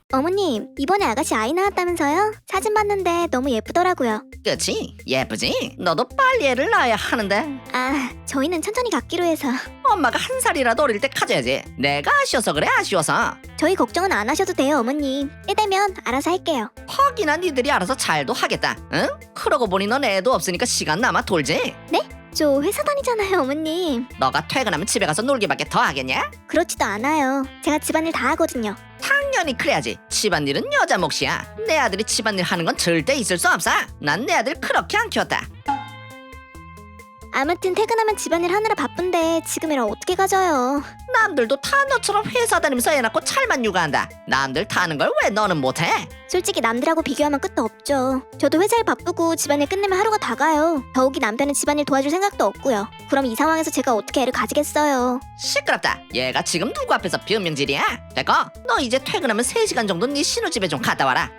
어머님, 이번에 아가씨 아이 낳았다면서요? 사진 봤는데 너무 예쁘더라고요. 그치? 예쁘지? 너도 빨리 애를 낳아야 하는데 아, 저희는 천천히 갖기로 해서. 엄마가 한 살이라도 어릴 때 가져야지. 내가 아쉬워서 그래, 아쉬워서. 저희 걱정은 안 하셔도 돼요, 어머님. 때 되면 알아서 할게요. 퍽이나 니들이 알아서 잘도 하겠다. 응? 그러고 보니 넌 애도 없으니까 시간 남아 돌지? 저 회사 다니잖아요, 어머님. 너가 퇴근하면 집에 가서 놀기밖에 더 하겠냐? 그렇지도 않아요. 제가 집안일 다 하거든요. 당연히 그래야지. 집안일은 여자 몫이야. 내 아들이 집안일 하는 건 절대 있을 수 없어. 난 내 아들 그렇게 안 키웠다. 아무튼 퇴근하면 집안일 하느라 바쁜데 지금이라 어떻게 가져요? 남들도 다 너처럼 회사 다니면서 애 낳고 찰만 육아한다. 남들 타는 걸 왜 너는 못해? 솔직히 남들하고 비교하면 끝도 없죠. 저도 회사일 바쁘고 집안일 끝내면 하루가 다 가요. 더욱이 남편은 집안일 도와줄 생각도 없고요. 그럼 이 상황에서 제가 어떻게 애를 가지겠어요? 시끄럽다. 얘가 지금 누구 앞에서 변명질이야? 됐고, 너 이제 퇴근하면 3시간 정도 네 신우집에 좀 갔다 와라.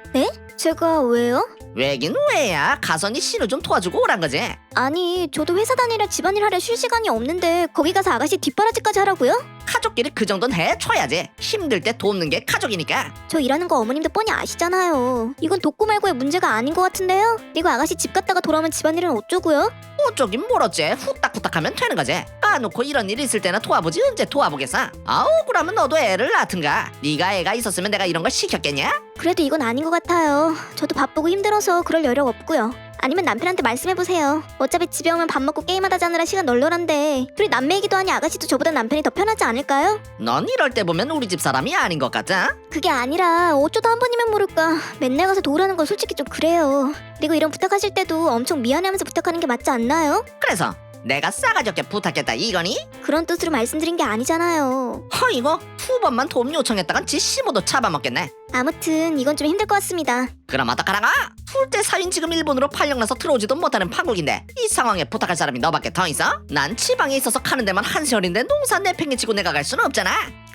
제가 왜요? 왜긴 왜야? 가서 네 신우 좀 도와주고 오란 거지. 아니, 저도 회사 다니라 집안일 하려 쉴 시간이 없는데 거기 가서 아가씨 뒷바라지까지 하라고요? 가족끼리 그 정도는 해줘야지. 힘들 때 돕는 게 가족이니까. 저 일하는 거 어머님도 뻔히 아시잖아요. 이건 돕고 말고의 문제가 아닌 것 같은데요? 그리고 아가씨 집 갔다가 돌아오면 집안일은 어쩌고요? 어쩌긴 뭘 어째. 후딱후딱하면 되는 거지. 까놓고 이런 일 있을 때나 도와보지 언제 도와보겠어. 아우, 그러면 너도 애를 낳든가. 네가 애가 있었으면 내가 이런 걸 시켰겠냐? 그래도 이건 아닌 것 같아요. 저도 바쁘고 힘들어서 그럴 여력 없고요. 아니면 남편한테 말씀해보세요. 어차피 집에 오면 밥 먹고 게임하다 자느라 시간 널널한데 둘이 남매이기도 하니 아가씨도 저보다 남편이 더 편하지 않을까요? 넌 이럴 때 보면 우리 집 사람이 아닌 것 같아. 그게 아니라 어쩌다 한 번이면 모를까. 맨날 가서 도우라는 건 솔직히 좀 그래요. 그리고 이런 부탁하실 때도 엄청 미안해하면서 부탁하는 게 맞지 않나요? 그래서 내가 싸가지 없게 부탁했다 이거니? 그런 뜻으로 말씀드린 게 아니잖아요. 이거 2번만 도움 요청했다간 지 시모도 잡아먹겠네. 아무튼 이건 좀 힘들 것 같습니다. 그럼 어떡하라고? 둘째 사윈 지금 일본으로 팔령나서 들어오지도 못하는 판국인데 이 상황에 부탁할 사람이 너밖에 더 있어? 난 지방에 있어서 가는 데만 한시월인데 농사 내팽개치고 내가 갈 수는 없잖아.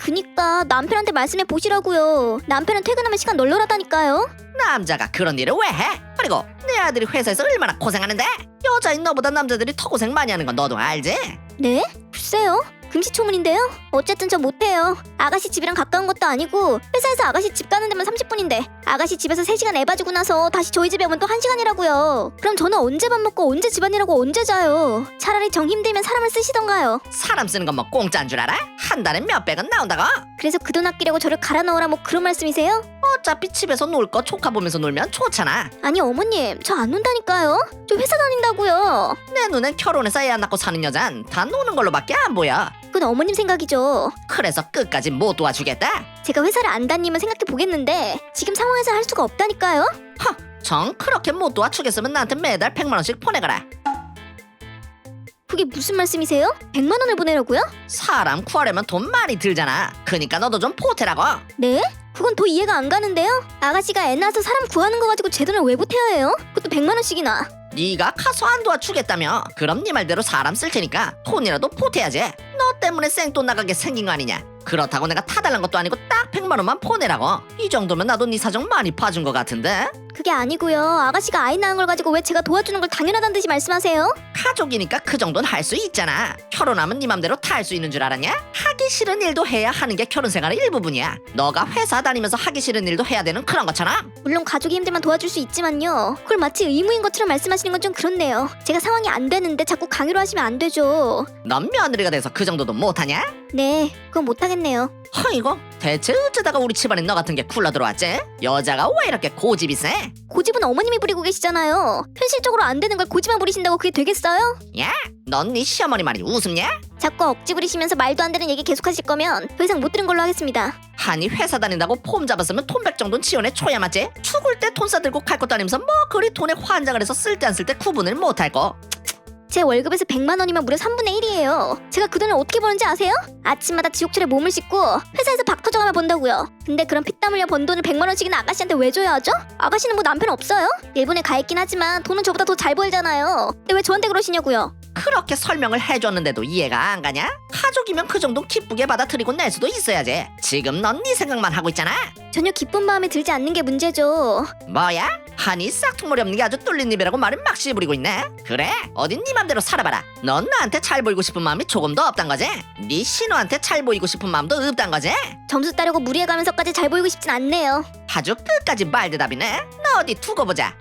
그니까 남편한테 말씀해 보시라고요. 남편은 퇴근하면 시간 널널하다니까요. 남자가 그런 일을 왜 해? 그리고 내 아들이 회사에서 얼마나 고생하는데? 여자인 너보다 남자들이 더 고생 많이 하는 건 너도 알지? 네? 글쎄요. 금시초문인데요? 어쨌든 저 못해요. 아가씨 집이랑 가까운 것도 아니고 회사에서 아가씨 집 가는 데만 30분인데 아가씨 집에서 3시간 애 봐주고 나서 다시 저희 집에 오면 또 1시간이라고요. 그럼 저는 언제 밥 먹고 언제 집안일하고 언제 자요? 차라리 정 힘들면 사람을 쓰시던가요. 사람 쓰는 건 뭐 공짜인 줄 알아? 한 달에 몇백은 나온다고? 그래서 그 돈 아끼려고 저를 갈아 넣으라 뭐 그런 말씀이세요? 어차피 집에서 놀 거 조카 보면서 놀면 좋잖아. 아니 어머님 저 안 논다니까요. 저 회사 다닌다고요. 내 눈엔 결혼해서 애 안 낳고 사는 여잔 다 노는 걸로밖에 안 보여. 그건 어머님 생각이죠. 그래서 끝까지 못 도와주겠다? 제가 회사를 안 다니면 생각해 보겠는데 지금 상황에서 할 수가 없다니까요. 정 그렇게 못 도와주겠으면 나한테 매달 100만 원씩 보내거라. 그게 무슨 말씀이세요? 100만 원을 보내라고요? 사람 구하려면 돈 많이 들잖아. 그니까 너도 좀 보태라고. 네? 그건 더 이해가 안 가는데요? 아가씨가 애 낳아서 사람 구하는 거 가지고 제 돈을 왜 보태야 해요? 그것도 100만 원씩이나. 네가 가서 안 도와주겠다며. 그럼 네 말대로 사람 쓸 테니까 돈이라도 보태야지. 너 때문에 생돈 나가게 생긴 거 아니냐. 그렇다고 내가 타달란 것도 아니고 딱 100만 원만 보내라고. 이 정도면 나도 네 사정 많이 봐준 것 같은데. 그게 아니고요. 아가씨가 아이 낳은 걸 가지고 왜 제가 도와주는 걸 당연하다는 듯이 말씀하세요? 가족이니까 그 정도는 할 수 있잖아. 결혼하면 네 맘대로 다 할 수 있는 줄 알았냐? 하기 싫은 일도 해야 하는 게 결혼 생활의 일부분이야. 너가 회사 다니면서 하기 싫은 일도 해야 되는 그런 것처럼. 물론 가족이 힘들면 도와줄 수 있지만요. 그걸 마치 의무인 것처럼 말씀하시는 건 좀 그렇네요. 제가 상황이 안 되는데 자꾸 강요를 하시면 안 되죠. 넌 며느리가 돼서 그 정도도 못하냐? 네, 그건 못하겠네요. 이거 대체 어쩌다가 우리 집안에 너 같은 게 굴러 들어왔지? 여자가 왜 이렇게 고집이 세? 고집은 어머님이 부리고 계시잖아요. 현실적으로 안 되는 걸 고집만 부리신다고 그게 되겠어요? 야, 넌 네 시어머니 말이 우습냐? 자꾸 억지 부리시면서 말도 안 되는 얘기 계속하실 거면 더 이상 못 들은 걸로 하겠습니다. 아니 회사 다닌다고 폼 잡았으면 돈 100 정도는 지원해 줘야 맞지? 죽을 때 돈 싸들고 갈 것도 아니면서 뭐 그리 돈에 환장을 해서 쓸 때 안 쓸 때 구분을 못할 거. 제 월급에서 100만 원이면 무려 3분의 1이에요. 제가 그 돈을 어떻게 버는지 아세요? 아침마다 지옥철에 몸을 씻고 회사에서 박 터져가며 번다고요. 근데 그런 피땀 흘려 번 돈을 100만 원씩이나 아가씨한테 왜 줘야 하죠? 아가씨는 뭐 남편 없어요? 일본에 가 있긴 하지만 돈은 저보다 더 잘 벌잖아요. 근데 왜 저한테 그러시냐고요? 그렇게 설명을 해줬는데도 이해가 안 가냐? 가족이면 그 정도 기쁘게 받아들이고 낼 수도 있어야지. 지금 넌 네 생각만 하고 있잖아. 전혀 기쁜 마음에 들지 않는 게 문제죠. 뭐야? 아니 싹퉁머리 없는 게 아주 뚫린 입이라고 말을 막 씨부리고 있네. 그래? 어딘 네 맘대로 살아봐라. 넌 나한테 잘 보이고 싶은 마음이 조금도 없단 거지? 네 신우한테 잘 보이고 싶은 마음도 없단 거지? 점수 따려고 무리해가면서까지 잘 보이고 싶진 않네요. 아주 끝까지 말대답이네. 너 어디 두고 보자.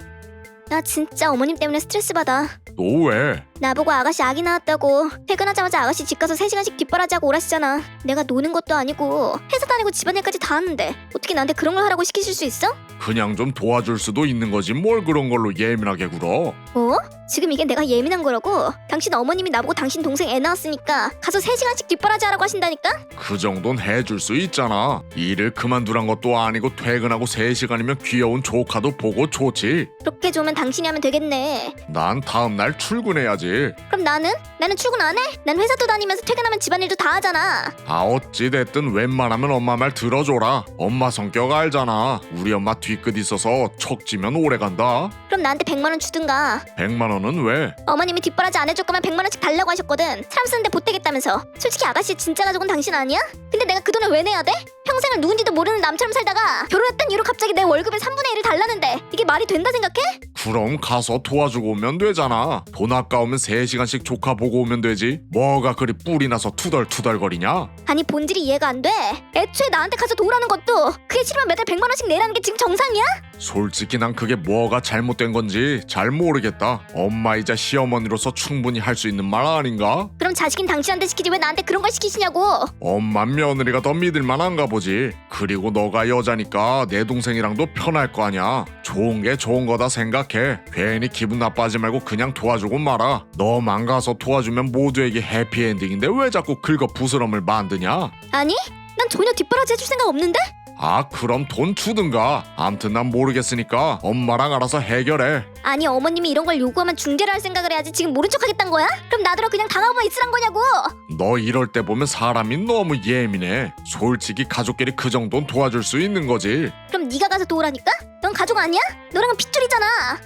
나 진짜 어머님 때문에 스트레스 받아. 너 왜? 나보고 아가씨 아기 낳았다고 퇴근하자마자 아가씨 집 가서 3시간씩 뒷바라지하고 오라시잖아. 내가 노는 것도 아니고 회사 다니고 집안일까지 다 하는데 어떻게 나한테 그런 걸 하라고 시키실 수 있어? 그냥 좀 도와줄 수도 있는 거지 뭘 그런 걸로 예민하게 굴어? 어? 지금 이게 내가 예민한 거라고? 당신 어머님이 나보고 당신 동생 애 낳았으니까 가서 3시간씩 뒷바라지 하라고 하신다니까? 그 정도는 해줄 수 있잖아. 일을 그만두란 것도 아니고 퇴근하고 3시간이면 귀여운 조카도 보고 좋지. 그렇게 좋으면 당신이 하면 되겠네. 난 다음날 출근해야지. 그럼 나는? 나는 출근 안 해? 난 회사도 다니면서 퇴근하면 집안일도 다 하잖아. 아 어찌됐든 웬만하면 엄마 말 들어줘라. 엄마 성격 알잖아. 우리 엄마 뒤끝 있어서 척지면 오래간다. 그럼 나한테 100만 원 주든가. 100만 원은 왜? 어머님이 뒷바라지 안 해줄 거면 100만 원씩 달라고 하셨거든. 사람 쓰는데 보태겠다면서. 솔직히 아가씨 진짜 가족은 당신 아니야? 근데 내가 그 돈을 왜 내야 돼? 평생을 누군지도 모르는 남처럼 살다가 결혼했단 이유로 갑자기 내 월급의 3분의 1을 달라는데 이게 말이 된다 생각해? 그럼 가서 도와주고 오면 되잖아. 돈 아까우면 3시간씩 조카 보고 오면 되지. 뭐가 그리 뿔이 나서 투덜투덜거리냐? 아니 본질이 이해가 안 돼. 애초에 나한테 가서 도우라는 것도 그게 싫으면 매달 100만 원씩 내라는 게 지금 정상이야? 솔직히 난 그게 뭐가 잘못된 건지 잘 모르겠다. 엄마이자 시어머니로서 충분히 할 수 있는 말 아닌가? 그럼 자식인 당신한테 시키지 왜 나한테 그런 걸 시키시냐고. 엄마 며느리가 더 믿을만한가 보지. 그리고 너가 여자니까 내 동생이랑도 편할 거 아냐. 좋은 게 좋은 거다 생각해. 괜히 기분 나빠하지 말고 그냥 도와주고 말아. 너만 가서 도와주면 모두에게 해피엔딩인데 왜 자꾸 긁어 부스럼을 만드냐? 아니? 난 전혀 뒷바라지 해줄 생각 없는데? 아 그럼 돈 주든가. 암튼 난 모르겠으니까 엄마랑 알아서 해결해. 아니 어머님이 이런 걸 요구하면 중재를 할 생각을 해야지 지금 모른 척 하겠단 거야? 그럼 나더러 그냥 당하고만 있으란 거냐고. 너 이럴 때 보면 사람이 너무 예민해. 솔직히 가족끼리 그 정도는 도와줄 수 있는 거지. 그럼 네가 가서 도우라니까? 넌 가족 아니야? 너랑은 핏줄이잖아.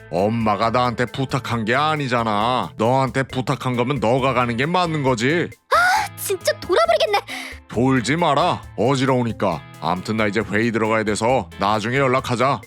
엄마가 나한테 부탁한 게 아니잖아. 너한테 부탁한 거면 너가 가는 게 맞는 거지. 진짜 돌아버리겠네. 돌지 마라. 어지러우니까. 암튼 나 이제 회의 들어가야 돼서 나중에 연락하자.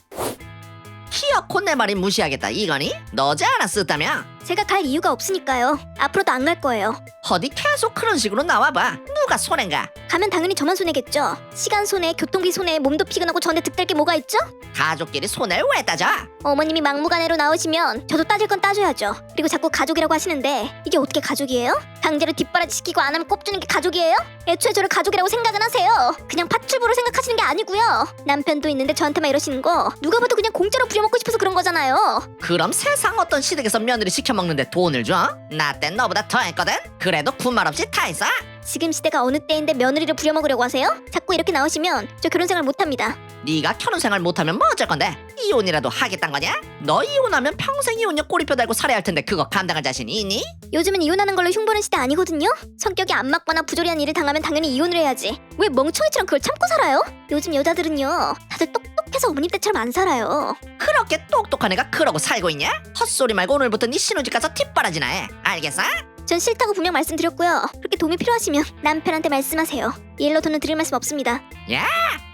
키어코 내 말이 무시하겠다 이거니? 너지 않았었다며? 제가 갈 이유가 없으니까요. 앞으로도 안 갈 거예요. 어디 계속 그런 식으로 나와봐. 누가 손해인가? 가면 당연히 저만 손해겠죠. 시간 손해, 교통비 손해, 몸도 피곤하고 저한테 득될 게 뭐가 있죠? 가족끼리 손해를 왜 따져? 어머님이 막무가내로 나오시면 저도 따질 건 따져야죠. 그리고 자꾸 가족이라고 하시는데 이게 어떻게 가족이에요? 강제로 뒷바라지 시키고 안 하면 꼽주는 게 가족이에요? 애초에 저를 가족이라고 생각은 하세요. 그냥 팥줄부로 생각하시는 게 아니고요. 남편도 있는데 저한테만 이러시는 거 누가 봐도 그냥 공짜로 부려먹고 싶어서 그런 거잖아요. 그럼 세상 어떤 시댁에서 며느리 시켜먹는데 돈을 줘? 나 땐 너보다 더 했거든? 그래도 군말 없이 다 했어? 지금 시대가 어느 때인데 며느리를 부려먹으려고 하세요? 자꾸 이렇게 나오시면 저 결혼 생활 못합니다. 네가 결혼생활 못하면 뭐 어쩔 건데? 이혼이라도 하겠단 거냐? 너 이혼하면 평생 이혼녀 꼬리표 달고 살아야 할 텐데 그거 감당할 자신이 있니? 요즘은 이혼하는 걸로 흉보는 시대 아니거든요? 성격이 안 맞거나 부조리한 일을 당하면 당연히 이혼을 해야지. 왜 멍청이처럼 그걸 참고 살아요? 요즘 여자들은요 다들 똑똑해서 어머님 때처럼 안 살아요. 그렇게 똑똑한 애가 그러고 살고 있냐? 헛소리 말고 오늘부터 네 신우집 가서 뒷바라지나 해. 알겠어? 전 싫다고 분명 말씀드렸고요. 그렇게 도움이 필요하시면 남편한테 말씀하세요. 이 일로 돈은 드릴 말씀 없습니다. 야!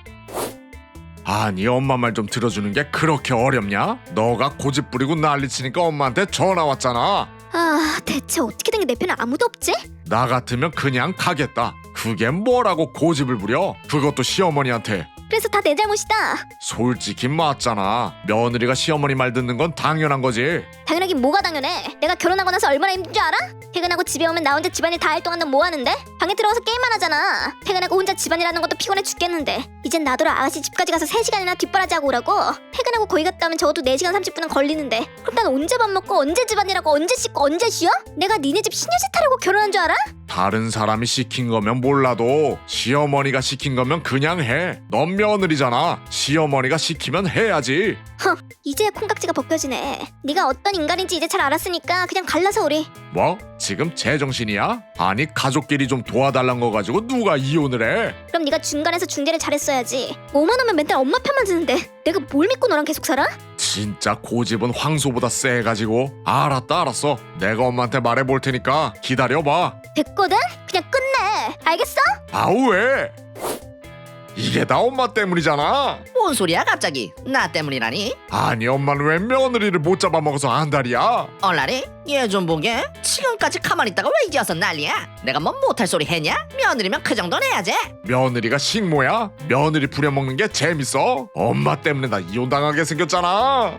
아니 엄마 말 좀 들어주는 게 그렇게 어렵냐? 너가 고집 부리고 난리치니까 엄마한테 전화 왔잖아. 아 대체 어떻게 된 게 내 편에 아무도 없지? 나 같으면 그냥 가겠다. 그게 뭐라고 고집을 부려? 그것도 시어머니한테. 그래서 다 내 잘못이다. 솔직히 맞잖아. 며느리가 시어머니 말 듣는 건 당연한 거지. 당연하긴 뭐가 당연해. 내가 결혼하고 나서 얼마나 힘든 줄 알아? 퇴근하고 집에 오면 나 혼자 집안일 다 할 동안 넌 뭐 하는데? 방에 들어가서 게임만 하잖아. 퇴근하고 혼자 집안일 하는 것도 피곤해 죽겠는데 이젠 나더러 아가씨 집까지 가서 3시간이나 뒷바라지 하고 오라고? 퇴근하고 거기 갔다 오면 적어도 4시간 30분은 걸리는데 그럼 난 언제 밥 먹고 언제 집안일하고 언제 씻고 언제 쉬어? 내가 니네 집 시녀짓 하려고 결혼한 줄 알아? 다른 사람이 시킨 거면 몰라도 시어머니가 시킨 거면 그냥 해. 넌 며느리잖아. 시어머니가 시키면 해야지. 이제야 콩깍지가 벗겨지네. 네가 어떤 인간인지 이제 잘 알았으니까 그냥 갈라서 우리. 뭐? 지금 제정신이야? 아니 가족끼리 좀 도와달란 거 가지고 누가 이혼을 해? 그럼 네가 중간에서 중재를 잘했어야지. 뭐만 하면 맨날 엄마 편만 드는데 내가 뭘 믿고 너랑 계속 살아? 진짜 고집은 황소보다 세가지고. 알았어. 내가 엄마한테 말해볼 테니까 기다려봐. 됐거든? 그냥 끝내. 알겠어? 아우 왜? 이게 다 엄마 때문이잖아. 뭔 소리야 갑자기? 나 때문이라니? 아니 엄마는 왜 며느리를 못 잡아먹어서 안달이야? 얼라리? 얘 좀 보게. 지금까지 가만히 있다가 왜 이제 와서 난리야? 내가 뭐 못할 소리 했냐? 며느리면 그 정도는 해야지. 며느리가 식모야? 며느리 부려먹는 게 재밌어? 엄마 때문에 나 이혼당하게 생겼잖아.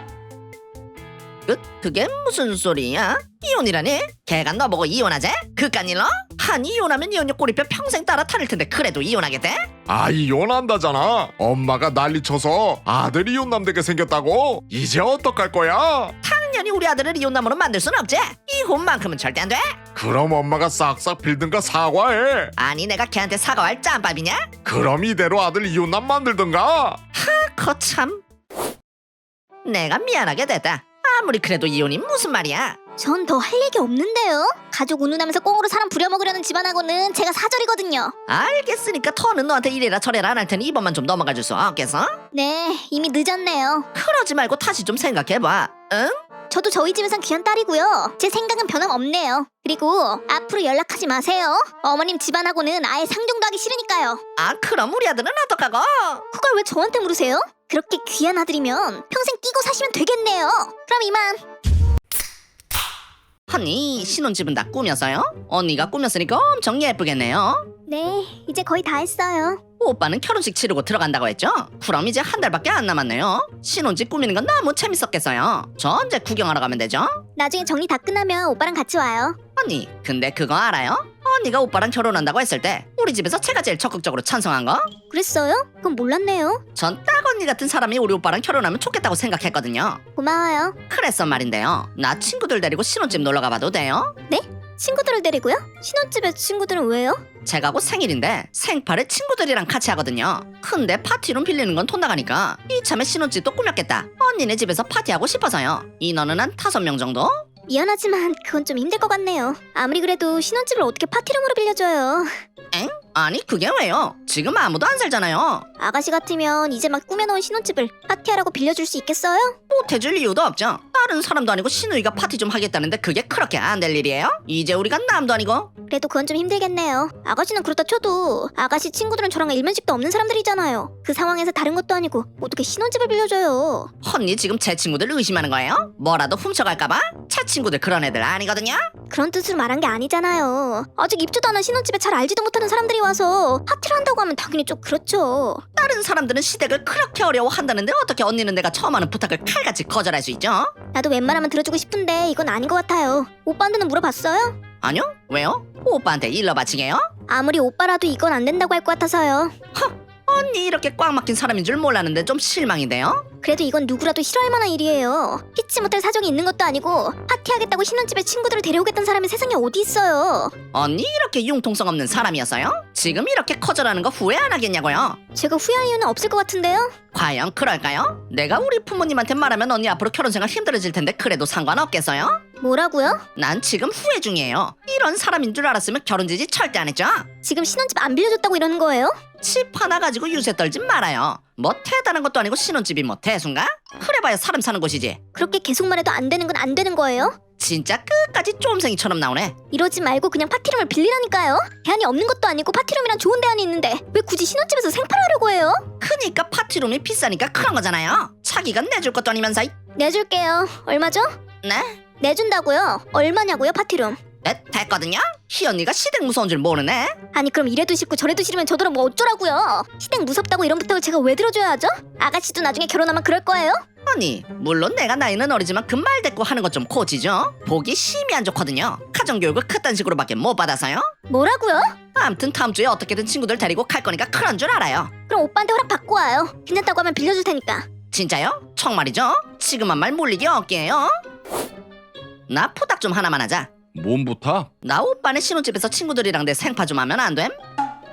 그게 무슨 소리야? 이혼이라니? 걔가 너보고 이혼하재? 그깟 일로? 한 이혼하면 이혼녀 꼬리뼈 평생 따라 타릴 텐데 그래도 이혼하겠대? 아 이혼한다잖아. 엄마가 난리쳐서 아들 이혼남 되게 생겼다고? 이제 어떡할 거야? 당연히 우리 아들을 이혼남으로 만들 순 없지. 이혼만큼은 절대 안 돼. 그럼 엄마가 싹싹 빌든가 사과해. 아니 내가 걔한테 사과할 짬밥이냐? 그럼 이대로 아들 이혼남 만들든가. 거참. 내가 미안하게 됐다. 아무리 그래도 이혼이 무슨 말이야? 전 더 할 얘기 없는데요. 가족 운운하면서 꽁으로 사람 부려먹으려는 집안하고는 제가 사절이거든요. 알겠으니까 더는 너한테 이래라 저래라 안 할 테니 이번만 좀 넘어가 줄 수 없겠어? 네, 이미 늦었네요. 그러지 말고 다시 좀 생각해봐. 응? 저도 저희 집에선 귀한 딸이고요. 제 생각은 변함없네요. 그리고 앞으로 연락하지 마세요. 어머님 집안하고는 아예 상종도 하기 싫으니까요. 아 그럼 우리 아들은 어떡하고? 그걸 왜 저한테 물으세요? 그렇게 귀한 아들이면 평생 끼고 사시면 되겠네요. 그럼 이만. 언니 신혼집은 다 꾸몄어요? 언니가 꾸몄으니까 엄청 예쁘겠네요. 네, 이제 거의 다 했어요. 오빠는 결혼식 치르고 들어간다고 했죠? 그럼 이제 한 달밖에 안 남았네요. 신혼집 꾸미는 건 너무 재밌었겠어요. 저 언제 구경하러 가면 되죠? 나중에 정리 다 끝나면 오빠랑 같이 와요. 언니 근데 그거 알아요? 언니가 오빠랑 결혼한다고 했을 때 우리 집에서 제가 제일 적극적으로 찬성한 거? 그랬어요? 그건 몰랐네요. 전 딱 언니 같은 사람이 우리 오빠랑 결혼하면 좋겠다고 생각했거든요. 고마워요. 그래서 말인데요. 나 친구들 데리고 신혼집 놀러 가봐도 돼요? 친구들을 데리고요? 신혼집에 친구들은 왜요? 제가 곧 생일인데 생파를 친구들이랑 같이 하거든요. 근데 파티룸 빌리는 건 돈 나가니까 이참에 신혼집도 꾸몄겠다. 언니네 집에서 파티하고 싶어서요. 인원은 한 5명 정도? 미안하지만 그건 좀 힘들 것 같네요. 아무리 그래도 신혼집을 어떻게 파티룸으로 빌려줘요. 엥? 아니 그게 왜요? 지금 아무도 안 살잖아요. 아가씨 같으면 이제 막 꾸며놓은 신혼집을 파티하라고 빌려줄 수 있겠어요? 못해줄 이유도 없죠. 다른 사람도 아니고 신우이가 파티 좀 하겠다는데 그게 그렇게 안 될 일이에요? 이제 우리가 남도 아니고. 그래도 그건 좀 힘들겠네요. 아가씨는 그렇다 쳐도 아가씨 친구들은 저랑 일면식도 없는 사람들이잖아요. 그 상황에서 다른 것도 아니고 어떻게 신혼집을 빌려줘요? 언니 지금 제 친구들 의심하는 거예요? 뭐라도 훔쳐갈까봐? 제 친구들 그런 애들 아니거든요. 그런 뜻으로 말한 게 아니잖아요. 아직 입주도 안 한 신혼집에 잘 알지도 못하는 사람들이 와서 파티를 한다고 하면 당연히 좀 그렇죠. 다른 사람들은 시댁을 그렇게 어려워한다는데 어떻게 언니는 내가 처음 하는 부탁을 칼같이 거절할 수 있죠? 나도 웬만하면 들어주고 싶은데 이건 아닌 것 같아요. 오빠한테는 물어봤어요? 아니요? 왜요? 오빠한테 일러 바치게요? 아무리 오빠라도 이건 안 된다고 할 것 같아서요. 언니 이렇게 꽉 막힌 사람인 줄 몰랐는데 좀 실망인데요? 그래도 이건 누구라도 싫어할 만한 일이에요. 피치 못할 사정이 있는 것도 아니고 파티하겠다고 신혼집에 친구들을 데려오겠다는 사람이 세상에 어디 있어요. 언니 이렇게 융통성 없는 사람이었어요? 지금 이렇게 거절하는 거 후회 안 하겠냐고요? 제가 후회할 이유는 없을 것 같은데요? 과연 그럴까요? 내가 우리 부모님한테 말하면 언니 앞으로 결혼생활 힘들어질 텐데 그래도 상관없겠어요? 뭐라고요? 난 지금 후회 중이에요. 이런 사람인 줄 알았으면 결혼 지지 절대 안 했죠? 지금 신혼집 안 빌려줬다고 이러는 거예요? 집 하나 가지고 유세 떨지 말아요. 뭐 대단한 것도 아니고 신혼집이 뭐 대수인가? 그래봐야 사람 사는 곳이지. 그렇게 계속 말해도 안 되는 건 안 되는 거예요? 진짜 끝까지 쫌생이처럼 나오네. 이러지 말고 그냥 파티룸을 빌리라니까요. 대안이 없는 것도 아니고 파티룸이란 좋은 대안이 있는데 왜 굳이 신혼집에서 생파하려고 해요? 그니까 파티룸이 비싸니까 그런 거잖아요. 자기가 내줄 것도 아니면서 내줄게요. 얼마죠? 네? 내준다고요? 얼마냐고요 파티룸? 네? 됐거든요? 희 언니가 시댁 무서운 줄 모르네. 아니 그럼 이래도 싫고 저래도 싫으면 저더러 뭐 어쩌라고요? 시댁 무섭다고 이런 부탁을 제가 왜 들어줘야 하죠? 아가씨도 나중에 결혼하면 그럴 거예요? 언니 물론 내가 나이는 어리지만 그 말 대꾸 하는 것 좀 고치죠. 보기 심히 안 좋거든요. 가정교육을 그딴 식으로밖에 못 받아서요. 뭐라고요? 암튼 다음 주에 어떻게든 친구들 데리고 갈 거니까 그런 줄 알아요. 그럼 오빠한테 허락 받고 와요. 괜찮다고 하면 빌려줄 테니까. 진짜요? 정말이죠? 지금 한 말 몰리기 없게요. 나 부탁 좀 하나만 하자. 뭔 부탁? 나 오빠네 신혼집에서 친구들이랑 내 생파 좀 하면 안 됨?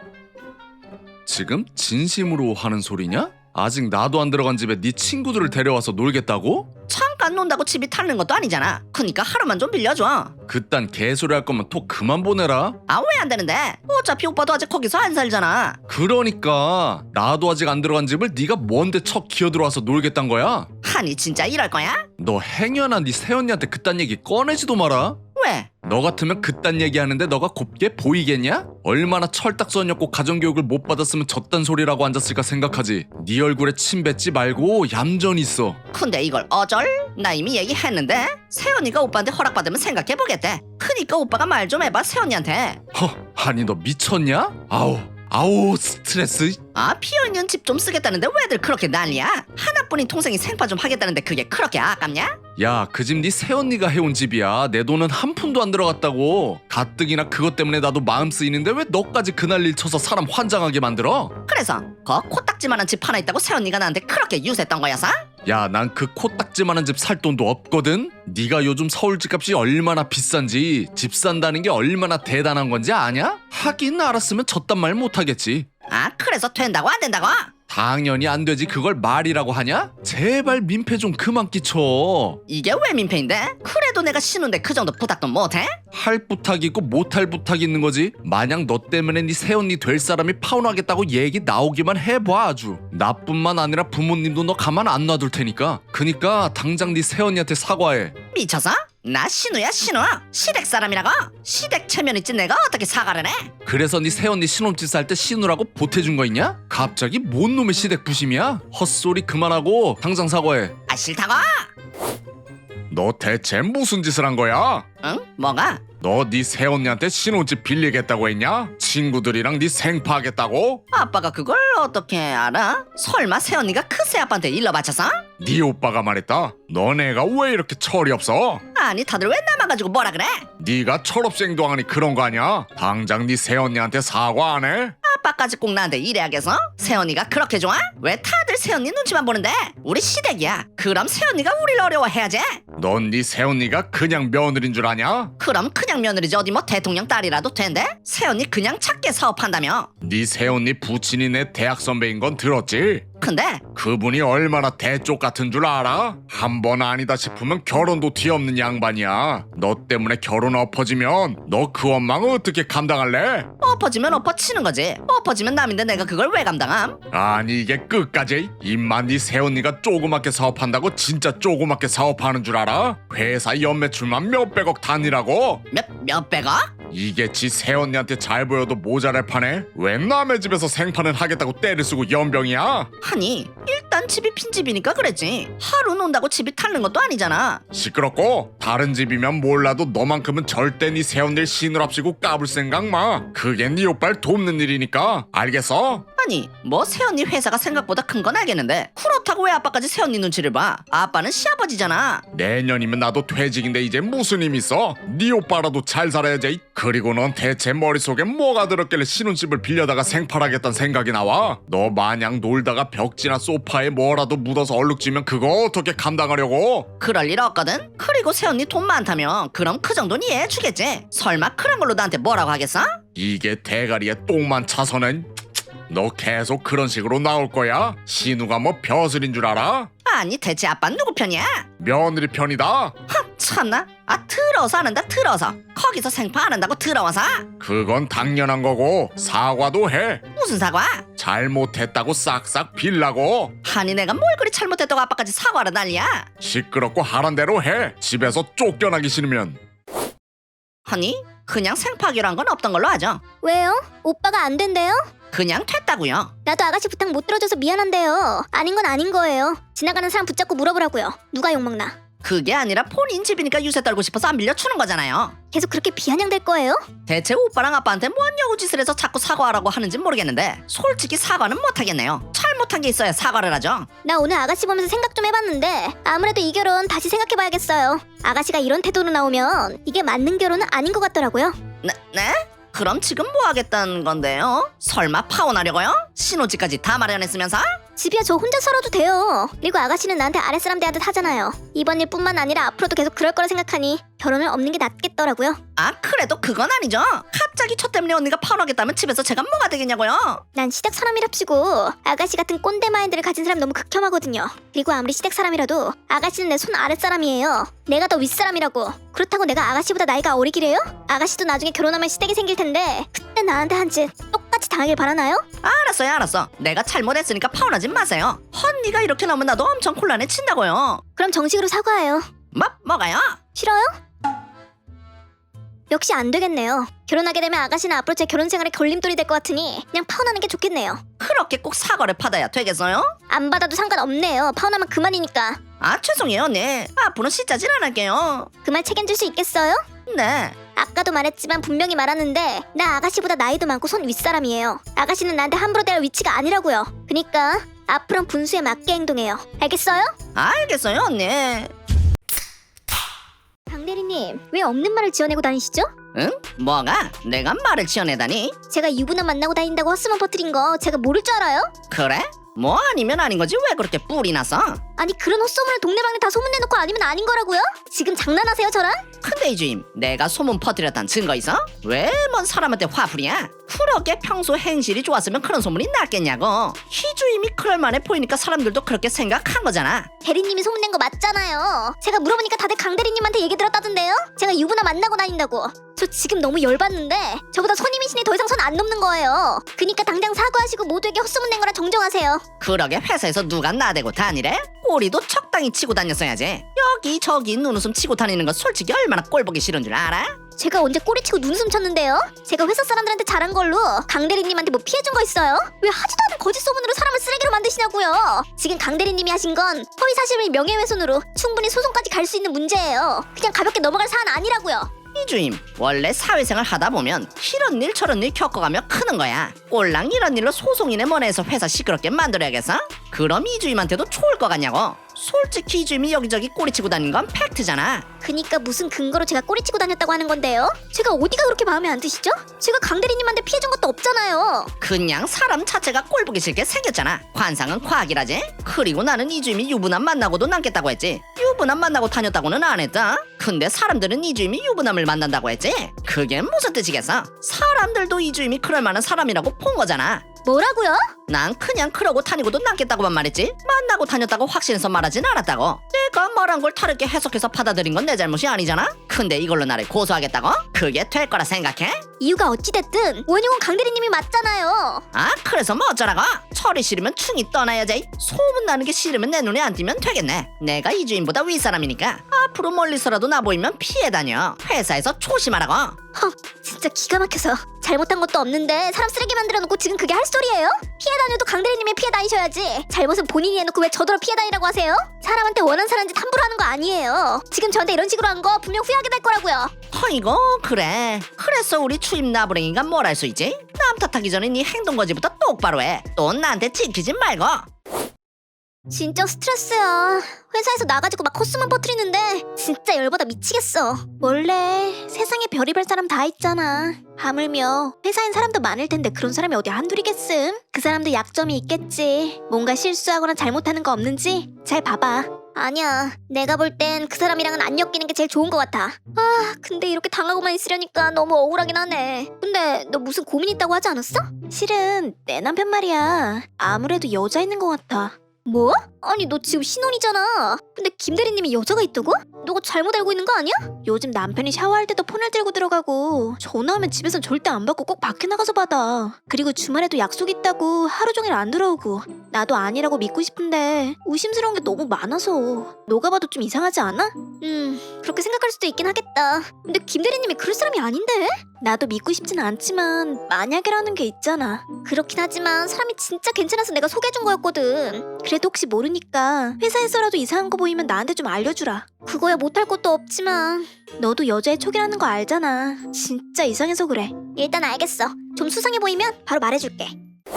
지금 진심으로 하는 소리냐? 아직 나도 안 들어간 집에 네 친구들을 데려와서 놀겠다고? 잠깐 하루만 논다고 집이 타는 것도 아니잖아. 그니까 하루만 좀 빌려줘. 그딴 개소리 할 거면 톡 그만 보내라. 아 왜 안 되는데? 어차피 오빠도 아직 거기서 안 살잖아. 그러니까 나도 아직 안 들어간 집을 네가 뭔데 척 기어들어와서 놀겠단 거야? 아니 진짜 이럴 거야? 너 행여나 네 새언니한테 그딴 얘기 꺼내지도 마라. 왜? 너 같으면 그딴 얘기하는데 너가 곱게 보이겠냐? 얼마나 철딱선이었고 가정교육을 못 받았으면 저딴 소리라고 앉았을까 생각하지. 네 얼굴에 침 뱉지 말고 얌전히 있어. 근데 이걸 어쩔? 나 이미 얘기했는데 세연이가 오빠한테 허락받으면 생각해보겠대. 그니까 오빠가 말 좀 해봐 세연이한테. 아니 너 미쳤냐? 아우 스트레스. 아 비어있는 집 좀 쓰겠다는데 왜들 그렇게 난리야? 하나뿐인 동생이 생파 좀 하겠다는데 그게 그렇게 아깝냐? 야 그 집 네 새언니가 해온 집이야. 내 돈은 한 푼도 안 들어갔다고. 가뜩이나 그것 때문에 나도 마음 쓰이는데 왜 너까지 그날 일 쳐서 사람 환장하게 만들어? 그래서 거 코딱지만한 집 하나 있다고 세연이가 나한테 그렇게 유세했던 거였어? 야 난 그 코딱지만한 집 살 돈도 없거든. 네가 요즘 서울 집값이 얼마나 비싼지, 집 산다는 게 얼마나 대단한 건지 아냐? 하긴 알았으면 저딴 말 못하겠지. 아 그래서 된다고 안 된다고? 당연히 안 되지. 그걸 말이라고 하냐? 제발 민폐 좀 그만 끼쳐. 이게 왜 민폐인데? 그래도 내가 신우인데 그 정도 부탁도 못해? 할 부탁이 있고 못할 부탁이 있는 거지. 만약 너 때문에 네 새언니 될 사람이 파혼하겠다고 얘기 나오기만 해봐. 아주 나뿐만 아니라 부모님도 너 가만 안 놔둘 테니까. 그니까 당장 네 새언니한테 사과해. 미쳐서? 나 신우야 신우. 시댁 사람이라고? 시댁 체면 있지 내가 어떻게 사과를 해? 그래서 네 새언니 신혼집 살 때 신우라고 보태준 거 있냐? 갑자기 뭔 놈의 시댁 부심이야? 헛소리 그만하고 당장 사과해. 아 싫다고? 너 대체 무슨 짓을 한 거야? 응? 뭐가? 너 네 새언니한테 신혼집 빌리겠다고 했냐? 친구들이랑 네 생파하겠다고? 아빠가 그걸 어떻게 알아? 설마 새언니가 그 새아빠한테 일러 바쳐서? 네 오빠가 말했다. 너네가 왜 이렇게 철이 없어? 아니 다들 왜 나만 가지고 뭐라 그래? 네가 철없이행동하니 그런 거 아니야? 당장 네 새언니한테 사과 안 해? 아빠까지 꼭 나한테 이래야겠어? 새언니가 그렇게 좋아? 왜 다들 새언니 눈치만 보는데? 우리 시댁이야. 그럼 새언니가 우릴 어려워해야지. 넌 네 새언니가 그냥 며느린 줄 아냐? 그럼 그냥 며느리지 어디 뭐 대통령 딸이라도 된대? 새언니 그냥 작게 사업한다며? 네 새언니 부친이 내 대학 선배인 건 들었지? 근데 그분이 얼마나 대쪽 같은 줄 알아? 한 번 아니다 싶으면 결혼도 뒤없는 양반이야. 너 때문에 결혼 엎어지면 너 그 원망 어떻게 감당할래? 엎어지면 엎어치는 거지. 엎어지면 남인데 내가 그걸 왜 감당함? 아니 이게 끝까지? 입만 네 새언니가 조그맣게 사업한다고 진짜 조그맣게 사업하는 줄 알아? 회사 연매출만 몇백억 단위라고? 몇백억? 이게 지 새언니한테 잘 보여도 모자랄 판에 왜 남의 집에서 생판을 하겠다고 때를 쓰고 연병이야? 아니 일단 집이 빈집이니까 그랬지. 하루 논다고 집이 타는 것도 아니잖아. 시끄럽고 다른 집이면 몰라도 너만큼은 절대 네 새언니를 시누랍시고 까불 생각 마. 그게 네 오빠를 돕는 일이니까 알겠어? 아니 뭐 새언니 회사가 생각보다 큰 건 알겠는데 그렇다고 왜 아빠까지 새언니 눈치를 봐? 아빠는 시아버지잖아. 내년이면 나도 퇴직인데 이제 무슨 힘 있어? 네 오빠라도 잘 살아야지. 그리고 넌 대체 머릿속에 뭐가 들었길래 신혼집을 빌려다가 생팔하겠다는 생각이 나와? 너 마냥 놀다가 벽지나 소파에 뭐라도 묻어서 얼룩지면 그거 어떻게 감당하려고? 그럴 일 없거든. 그리고 새언니 돈 많다며 그럼 그 정도는 이해해주겠지. 설마 그런 걸로 나한테 뭐라고 하겠어? 이게 대가리에 똥만 차서는 너 계속 그런 식으로 나올 거야? 신우가 뭐 벼슬인 줄 알아? 아니 대체 아빠는 누구 편이야? 며느리 편이다. 참나. 아 더러워서 안 한다 더러워서. 거기서 생파 안 한다고 더러워서? 그건 당연한 거고 사과도 해. 무슨 사과? 잘못했다고 싹싹 빌라고. 아니 내가 뭘 그리 잘못했다고 아빠까지 사과를 난리야? 시끄럽고 하란 대로 해. 집에서 쫓겨나기 싫으면. 아니 그냥 생파하기로 한 건 없던 걸로 하죠. 왜요? 오빠가 안 된대요? 그냥 됐다고요. 나도 아가씨 부탁 못 들어줘서 미안한데요. 아닌 건 아닌 거예요. 지나가는 사람 붙잡고 물어보라고요. 누가 욕먹나? 그게 아니라 본인 집이니까 유세 떨고 싶어서 안 빌려주는 거잖아요. 계속 그렇게 비아냥될 거예요? 대체 오빠랑 아빠한테 뭔 여우짓을 해서 자꾸 사과하라고 하는지 모르겠는데 솔직히 사과는 못하겠네요. 잘못한 게 있어야 사과를 하죠. 나 오늘 아가씨 보면서 생각 좀 해봤는데 아무래도 이 결혼 다시 생각해봐야겠어요. 아가씨가 이런 태도로 나오면 이게 맞는 결혼은 아닌 것 같더라고요. 네? 그럼 지금 뭐 하겠다는 건데요? 설마 파혼하려고요? 신혼집까지 다 마련했으면서? 집이야 저 혼자 살아도 돼요. 그리고 아가씨는 나한테 아랫사람 대하듯 하잖아요. 이번 일뿐만 아니라 앞으로도 계속 그럴 거라 생각하니 결혼을 없는 게 낫겠더라고요. 아 그래도 그건 아니죠. 갑자기 저 때문에 언니가 파혼하겠다면 집에서 제가 뭐가 되겠냐고요. 난 시댁 사람이랍시고 아가씨 같은 꼰대 마인드를 가진 사람 너무 극혐하거든요. 그리고 아무리 시댁 사람이라도 아가씨는 내 손 아랫사람이에요. 내가 더 윗사람이라고. 그렇다고 내가 아가씨보다 나이가 어리기래요? 아가씨도 나중에 결혼하면 시댁이 생길 텐데 그때 나한테 한 짓 똑같이 당하길 바라나요? 알았어요 알았어. 내가 잘못했으니까 파혼하지 마세요. 언니가 이렇게 나오면 나도 엄청 곤란해진다고요. 그럼 정식으로 사과해요. 뭐가요? 싫어요? 역시 안 되겠네요. 결혼하게 되면 아가씨는 앞으로 제 결혼 생활에 걸림돌이 될 것 같으니 그냥 파혼하는 게 좋겠네요. 그렇게 꼭 사과를 받아야 되겠어요? 안 받아도 상관없네요. 파혼하면 그만이니까. 아 죄송해요 언니. 앞으로 시짜질 안 할게요. 그 말 책임질 수 있겠어요? 네. 아까도 말했지만 분명히 말하는데 나 아가씨보다 나이도 많고 손 윗사람이에요. 아가씨는 나한테 함부로 대할 위치가 아니라고요. 그니까 앞으로는 분수에 맞게 행동해요. 알겠어요? 알겠어요 언니. 강대리님 왜 없는 말을 지어내고 다니시죠? 응? 뭐가? 내가 말을 지어내다니? 제가 유부남 만나고 다닌다고 헛소문 퍼뜨린 거 제가 모를 줄 알아요? 그래? 뭐 아니면 아닌 거지 왜 그렇게 뿔이 났어? 아니 그런 헛소문을 동네방네 다 소문내놓고 아니면 아닌 거라고요? 지금 장난하세요 저랑? 근데 이 주임 내가 소문 퍼뜨렸단 증거 있어? 왜 뭔 사람한테 화풀이야? 그렇게 평소 행실이 좋았으면 그런 소문이 났겠냐고. 희 주임이 그럴 만해 보이니까 사람들도 그렇게 생각한 거잖아. 대리님이 소문낸 거 맞잖아요. 제가 물어보니까 다들 강대리님한테 얘기 들었다던데요? 제가 유부남 만나고 다닌다고. 저 지금 너무 열받는데 저보다 손님이시니 더 이상 손 안 넘는 거예요. 그니까 당장 사과하시고 모두에게 헛소문 낸 거라 정정하세요. 그러게 회사에서 누가 나대고 다니래? 꼬리도 적당히 치고 다녔어야지. 여기저기 눈웃음 치고 다니는 거 솔직히 얼마나 꼴보기 싫은 줄 알아? 제가 언제 꼬리치고 눈웃음 쳤는데요? 제가 회사 사람들한테 잘한 걸로 강대리님한테 뭐 피해준 거 있어요? 왜 하지도 않은 거짓 소문으로 사람을 쓰레기로 만드시냐고요? 지금 강대리님이 하신 건 허위 사실을 명예훼손으로 충분히 소송까지 갈 수 있는 문제예요. 그냥 가볍게 넘어갈 사안 아니라고요. 이주임 원래 사회생활 하다 보면 이런 일 저런 일 겪어가며 크는 거야. 꼴랑 이런 일로 소송이네 뭐네 해서 회사 시끄럽게 만들어야겠어? 그럼 이주임한테도 좋을 것 같냐고. 솔직히 이주임이 여기저기 꼬리치고 다니는 건 팩트잖아. 그니까 무슨 근거로 제가 꼬리치고 다녔다고 하는 건데요? 제가 어디가 그렇게 마음에 안 드시죠? 제가 강대리님한테 피해준 것도 없잖아요. 그냥 사람 자체가 꼴보기 싫게 생겼잖아. 관상은 과학이라지. 그리고 나는 이주임이 유부남 만나고도 남겠다고 했지. 유부남 만나고 다녔다고는 안 했다. 근데 사람들은 이주임이 유부남을 만난다고 했지. 그게 무슨 뜻이겠어? 사람들도 이주임이 그럴 만한 사람이라고 본 거잖아. 뭐라고요? 난 그냥 그러고 다니고도 남겠다고만 말했지 만나고 다녔다고 확신해서 말하진 않았다고. 내가 말한 걸 다르게 해석해서 받아들인 건 내 잘못이 아니잖아. 근데 이걸로 나를 고소하겠다고? 그게 될 거라 생각해? 이유가 어찌됐든 원흉은 강대리님이 맞잖아요. 아 그래서 뭐 어쩌라고? 철이 싫으면 충이 떠나야지. 소문나는 게 싫으면 내 눈에 안 띄면 되겠네. 내가 이주인보다 윗사람이니까 앞으로 멀리서라도 나 보이면 피해 다녀. 회사에서 조심하라고. 헉, 진짜 기가 막혀서 잘못한 것도 없는데 사람 쓰레기 만들어 놓고 지금 그게 할 소리예요? 피해 다녀도 강대리님이 피해 다니셔야지. 잘못은 본인이 해놓고 왜 저더러 피해 다니라고 하세요? 사람한테 원한 사는 짓 함부로 하는 거 아니에요. 지금 저한테 이런 식으로 한 거 분명 후회하게 될 거라고요. 어이구 그래. 그래서 우리 추임 나부랭이가 뭘 할 수 있지? 남 탓하기 전에 네 행동거지부터 똑바로 해. 또 나한테 찍히지 말고. 진짜 스트레스야. 회사에서 나가지고 막 헛소문 퍼뜨리는데 진짜 열받아 미치겠어. 원래 세상에 별의별 사람 다 있잖아. 하물며 회사엔 사람도 많을 텐데 그런 사람이 어디 한둘이겠음. 그 사람도 약점이 있겠지. 뭔가 실수하거나 잘못하는 거 없는지 잘 봐봐. 아니야, 내가 볼 땐 그 사람이랑은 안 엮이는 게 제일 좋은 것 같아. 아, 근데 이렇게 당하고만 있으려니까 너무 억울하긴 하네. 근데 너 무슨 고민 있다고 하지 않았어? 실은 내 남편 말이야. 아무래도 여자 있는 것 같아. 뭐? 아니 너 지금 신혼이잖아. 근데 김대리님이 여자가 있다고? 너가 잘못 알고 있는 거 아니야? 요즘 남편이 샤워할 때도 폰을 들고 들어가고 전화하면 집에선 절대 안 받고 꼭 밖에 나가서 받아. 그리고 주말에도 약속 있다고 하루 종일 안 들어오고. 나도 아니라고 믿고 싶은데 의심스러운 게 너무 많아서. 너가 봐도 좀 이상하지 않아? 그렇게 생각할 수도 있긴 하겠다. 근데 김대리님이 그럴 사람이 아닌데? 나도 믿고 싶진 않지만 만약이라는 게 있잖아. 그렇긴 하지만 사람이 진짜 괜찮아서 내가 소개해준 거였거든. 그래도 혹시 모르니까 회사에서라도 이상한 거 보이면 나한테 좀 알려주라. 그거야 못할 것도 없지만 너도 여자의 촉이라는 거 알잖아. 진짜 이상해서 그래. 일단 알겠어. 좀 수상해 보이면 바로 말해줄게.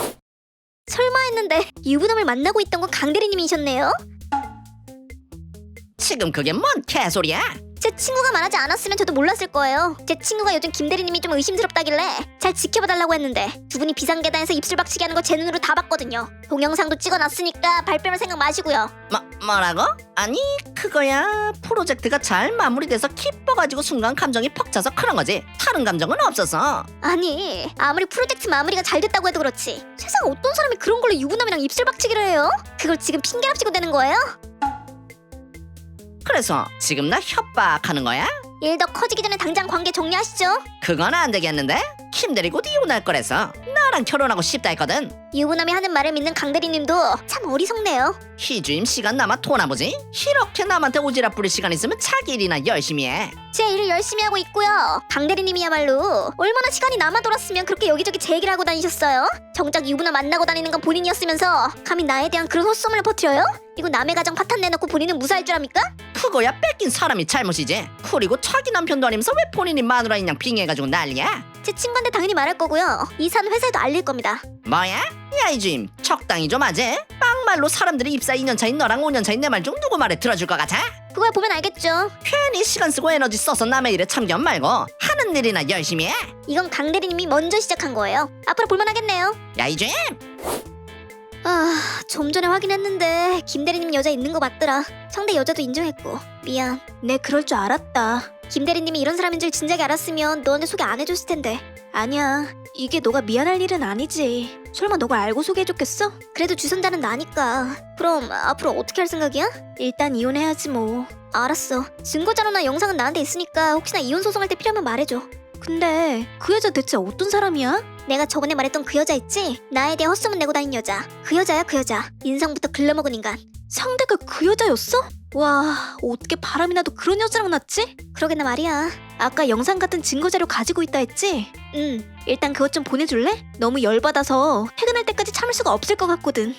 설마 했는데 유부남을 만나고 있던 건 강대리님이셨네요? 지금 그게 뭔 개소리야? 제 친구가 말하지 않았으면 저도 몰랐을 거예요. 제 친구가 요즘 김 대리님이 좀 의심스럽다길래 잘 지켜봐달라고 했는데 두 분이 비상계단에서 입술 박치기 하는 거 제 눈으로 다 봤거든요. 동영상도 찍어놨으니까 발뺌할 생각 마시고요. 뭐라고? 아니 그거야 프로젝트가 잘 마무리돼서 기뻐가지고 순간 감정이 퍽 차서 그런 거지 다른 감정은 없었어. 아니 아무리 프로젝트 마무리가 잘 됐다고 해도 그렇지 세상 어떤 사람이 그런 걸로 유부남이랑 입술 박치기를 해요? 그걸 지금 핑계랍시고 되는 거예요? 그래서 지금 나 협박하는 거야? 일 더 커지기 전에 당장 관계 정리하시죠. 그건 안 되겠는데? 김 대리 곧 이혼할 거래서 나랑 결혼하고 싶다 했거든. 유부남이 하는 말을 믿는 강 대리님도 참 어리석네요. 희주임 시간 남아 토나 보지? 이렇게 남한테 오지랖 부릴 시간 있으면 자기 일이나 열심히 해. 제 일을 열심히 하고 있고요. 강 대리님이야말로 얼마나 시간이 남아 돌았으면 그렇게 여기저기 제 얘기를 하고 다니셨어요? 정작 유부남 만나고 다니는 건 본인이었으면서 감히 나에 대한 그런 헛소문을 퍼뜨려요? 이거 남의 가정 파탄 내놓고 본인은 무사할 줄 압니까? 그거야 뺏긴 사람이 잘못이지. 그리고 자기 남편도 아니면서 왜 본인이 마누라인 양 빙의해가지고 난리야? 제 친구한테 당연히 말할 거고요. 이사는 회사에도 알릴 겁니다. 뭐야? 야 이주임 적당히 좀 하지. 막말로 사람들이 입사 2년 차인 너랑 5년 차인 내 말 중 누구 말에 들어줄 것 같아? 그걸 보면 알겠죠. 괜히 시간 쓰고 에너지 써서 남의 일에 참견 말고 하는 일이나 열심히 해. 이건 강 대리님이 먼저 시작한 거예요. 앞으로 볼만하겠네요. 야 이주임! 좀 전에 확인했는데 김 대리님 여자 있는 거 맞더라. 상대 여자도 인정했고. 미안. 내 그럴 줄 알았다. 김 대리님이 이런 사람인 줄 진작에 알았으면 너한테 소개 안 해줬을 텐데. 아니야. 이게 너가 미안할 일은 아니지. 설마 너가 알고 소개해줬겠어? 그래도 주선자는 나니까. 그럼 앞으로 어떻게 할 생각이야? 일단 이혼해야지 뭐. 알았어. 증거자료나 영상은 나한테 있으니까 혹시나 이혼 소송할 때 필요하면 말해줘. 근데 그 여자 대체 어떤 사람이야? 내가 저번에 말했던 그 여자 있지? 나에 대해 헛소문 내고 다닌 여자. 그 여자야 그 여자. 인상부터 글러먹은 인간. 상대가 그 여자였어? 와, 어떻게 바람이 나도 그런 여자랑 났지? 그러게나 말이야. 아까 영상 같은 증거자료 가지고 있다 했지? 응. 일단 그것 좀 보내줄래? 너무 열받아서 퇴근할 때까지 참을 수가 없을 것 같거든.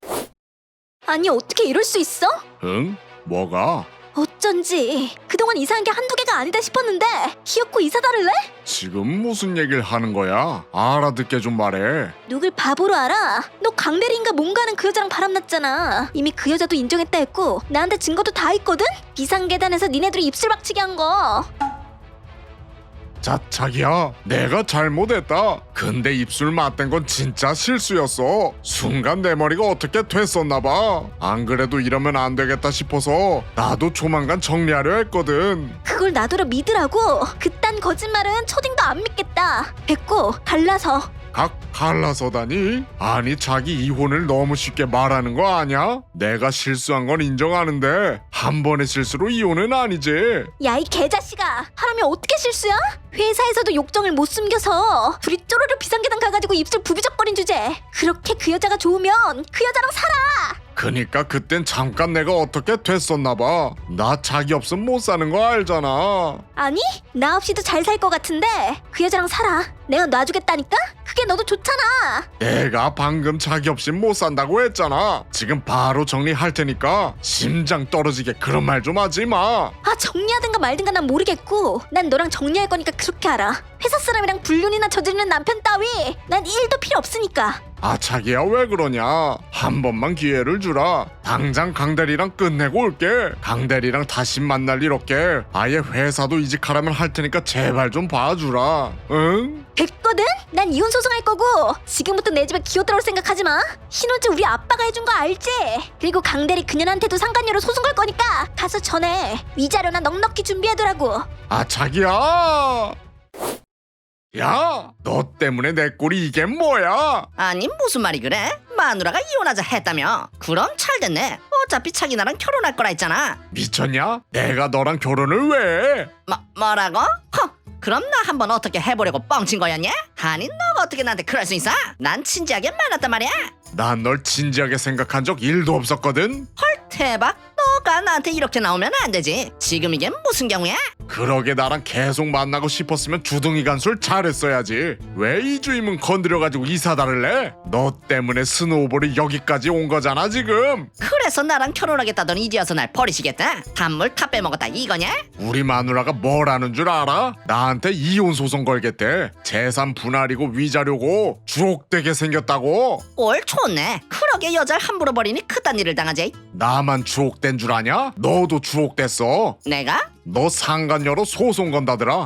아니 어떻게 이럴 수 있어? 응? 뭐가? 어쩐지 그동안 이사한 게 한두 개가 아니다 싶었는데 기어코 이사 다를래? 지금 무슨 얘기를 하는 거야? 알아듣게 좀 말해. 누굴 바보로 알아? 너 강대리인가 뭔가 하는 그 여자랑 바람났잖아. 이미 그 여자도 인정했다 했고 나한테 증거도 다 있거든? 비상계단에서 니네들이 입술 박치기 한 거. 자, 자기야, 내가 잘못했다. 근데 입술 맞댄 건 진짜 실수였어. 순간 내 머리가 어떻게 됐었나 봐. 안 그래도 이러면 안 되겠다 싶어서 나도 조만간 정리하려 했거든. 그걸 나더러 믿으라고? 그딴 거짓말은 초딩도 안 믿겠다. 됐고 갈라서. 갈라서다니? 아니 자기 이혼을 너무 쉽게 말하는 거 아냐? 내가 실수한 건 인정하는데 한 번의 실수로 이혼은 아니지. 야 이 개자식아, 하람이 어떻게 실수야? 회사에서도 욕정을 못 숨겨서 둘이 쪼르르 비상계단 가가지고 입술 부비적거린 주제. 그렇게 그 여자가 좋으면 그 여자랑 살아. 그니까 그땐 잠깐 내가 어떻게 됐었나 봐. 나 자기 없으면 못 사는 거 알잖아. 아니 나 없이도 잘 살 것 같은데 그 여자랑 살아. 내가 놔주겠다니까? 그게 너도 좋잖아. 내가 방금 자기 없이 못 산다고 했잖아. 지금 바로 정리할 테니까 심장 떨어지게 그런 말 좀 하지 마. 아 정리하든가 말든가 난 모르겠고 난 너랑 정리할 거니까 그렇게 알아. 회사 사람이랑 불륜이나 저지르는 남편 따위 난 1도 필요 없으니까. 아 자기야 왜 그러냐. 한 번만 기회를 주라. 당장 강대리랑 끝내고 올게. 강대리랑 다시 만날 일 없게 아예 회사도 이직하라면 할 테니까 제발 좀 봐주라. 응? 됐거든? 난 이혼 소송할 거고 지금부터 내 집에 기어들어올 생각하지 마. 신혼집 우리 아빠가 해준 거 알지? 그리고 강대리 그년한테도 상간녀로 소송 걸 거니까 가서 전해. 위자료나 넉넉히 준비해두라고. 아 자기야. 야, 너 때문에 내 꼴이 이게 뭐야? 아니 무슨 말이 그래? 마누라가 이혼하자 했다며? 그럼 잘 됐네. 어차피 자기 나랑 결혼할 거라 했잖아. 미쳤냐? 내가 너랑 결혼을 왜 해? 뭐라고? 그럼 나 한번 어떻게 해보려고 뻥친 거였냐? 아니 너가 어떻게 나한테 그럴 수 있어? 난 진지하게 말했단 말이야. 난 널 진지하게 생각한 적 1도 없었거든. 헐 대박. 너가 나한테 이렇게 나오면 안 되지. 지금 이게 무슨 경우야? 그러게 나랑 계속 만나고 싶었으면 주둥이 간술 잘했어야지. 왜 이주임은 건드려가지고 이사 다를래? 너 때문에 스노우볼이 여기까지 온 거잖아 지금. 그래서 나랑 결혼하겠다더니 이제와서 날 버리시겠다? 단물 다 빼먹었다 이거냐? 우리 마누라가 뭘 아는 줄 알아? 나한테 이혼 소송 걸겠대. 재산 분할이고 위자료고 주옥되게 생겼다고. 꼴 좋네. 그러게 여자를 함부로 버리니 그딴 일을 당하지. 나만 주옥된 줄 아냐? 너도 주옥됐어. 내가? 너 상간녀로 소송 건다더라.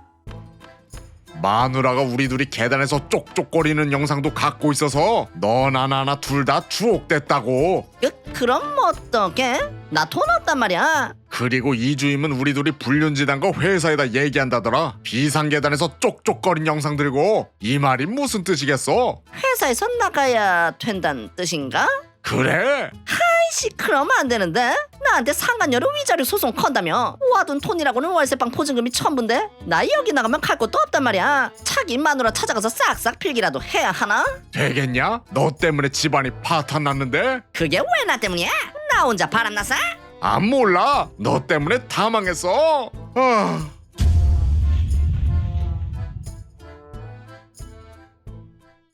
마누라가 우리 둘이 계단에서 쪽쪽거리는 영상도 갖고 있어서 너나 나나 둘 다 주옥됐다고. 그럼 어떡해? 나 돈 없단 말이야. 그리고 이주임은 우리 둘이 불륜지단 거 회사에다 얘기한다더라. 비상계단에서 쪽쪽거린 영상 들고. 이 말이 무슨 뜻이겠어? 회사에서 나가야 된다는 뜻인가? 그래? 아이씨, 그러면 안 되는데. 나한테 상간녀로 위자료 소송 건다며. 와둔 돈이라고는 월세방 보증금이 전부인데 나 여기 나가면 갈 곳도 없단 말이야. 자기 마누라 찾아가서 싹싹 필기라도 해야 하나? 되겠냐? 너 때문에 집안이 파탄 났는데? 그게 왜 나 때문이야? 나 혼자 바람났어? 안 몰라. 너 때문에 다 망했어. 아...